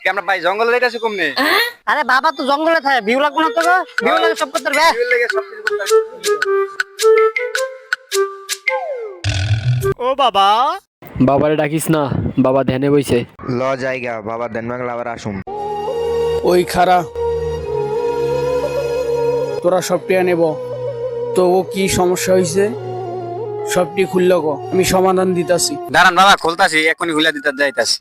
কি আমরা ভাই জঙ্গলে যাইতাছি কমনে? আরে বাবা তো জঙ্গলে থাকে, ভিউ লাগবে না তো? ভিউ লাগে সব করতে হবে। ভিউর লেগে সবকিছু করতে হবে। ও বাবা, বাবারে ডাকিস না, বাবা ধ্যানে বইছে। ল জায়গা বাবা দেন বাংলা আবার আসুম। ওই খারা তোরা সবটি নেব তো ও কি সমস্যা হয়েছে সবটি খুলল গো, আমি সমাধান দিতাছি। দাঁড়ান বাবা, খুলতাছি, এখনই খুলে দিতে যাইতাছি।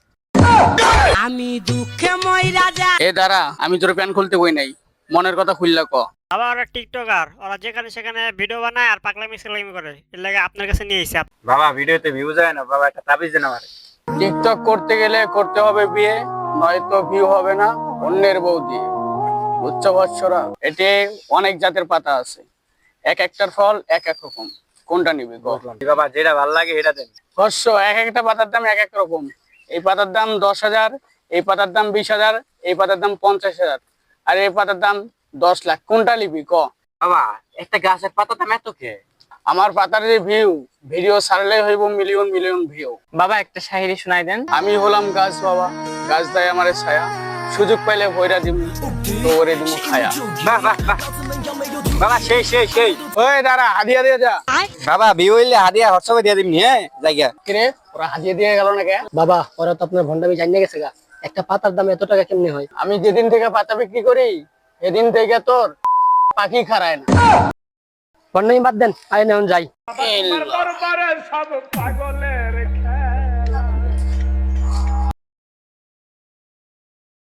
এ দাঁড়া, আমি তোর প্যান খুলতে বই নাই, মনের কথা খুলল ক। বাবা ওরা টিকটকার, ওরা যেখানে সেখানে ভিডিও বানায় আর পাগলামি সাগলামি করে, এর লাগে আপনার কাছে নিয়ে এসে। বাবা ভিডিওতে ভিউ যায় না, বাবা একটা তাবিজ দেন আমারে। টিকটক করতে গেলে করতে হবে বিয়ে, নয়তো ভিউ হবে না অন্যের বউ দিয়ে। উচ্চ বৎসরা, এটি অনেক জাতের পাতা আছে, এক একটার ফল এক এক রকম, কোনটা নিবি গো? বাবা যেটা ভালো লাগে এটা দেন। শস্য এক একটা পাতার দাম এক এক রকম, এই পাতার দাম 10,000, এই পাতার দাম 20,000, এই পাতার দাম 50,000, আর এই পাতার দাম 10 লাখ। কোনটা নিবি ক? বাবা একটা গাছের পাতা দাম এত কে? আমার পাতার যে ভিডিও ছাড়লে হইব মিলিয়ন মিলিয়ন ভিউ। বাবা একটা শায়রি শোনাই দেন। আমি হলাম গাছ বাবা, গাছ দেয় আমারে ছায়া, সুযোগ পাইলে ভৈরা দিমু তো ওরে দিমু খায়া। বাহ বাহ বাহ বাবা, সেই সেই সেই। ওই দাঁড়া, হাদিয়া দিয়ে যা। বাবা ভিউ হইলে হাদিয়া হোয়াটসঅ্যাপে দিয়ে দিবনি, হ্যাঁ জায়গা। কিরে ওরা হাদিয়া দিয়ে গেল না কে? বাবা ওরা তো আপনার ভন্ডামি জানিয়ে গেছে গা, একটা পাতার দাম এত টাকা কেমনে হয়? আমি যেদিন থেকে পাতা বিক্রি করি এদিন থেকে তোর পাখি খারায় না। ভন্ডামি বাদ দেন, আয় নেন যাই। এই ল।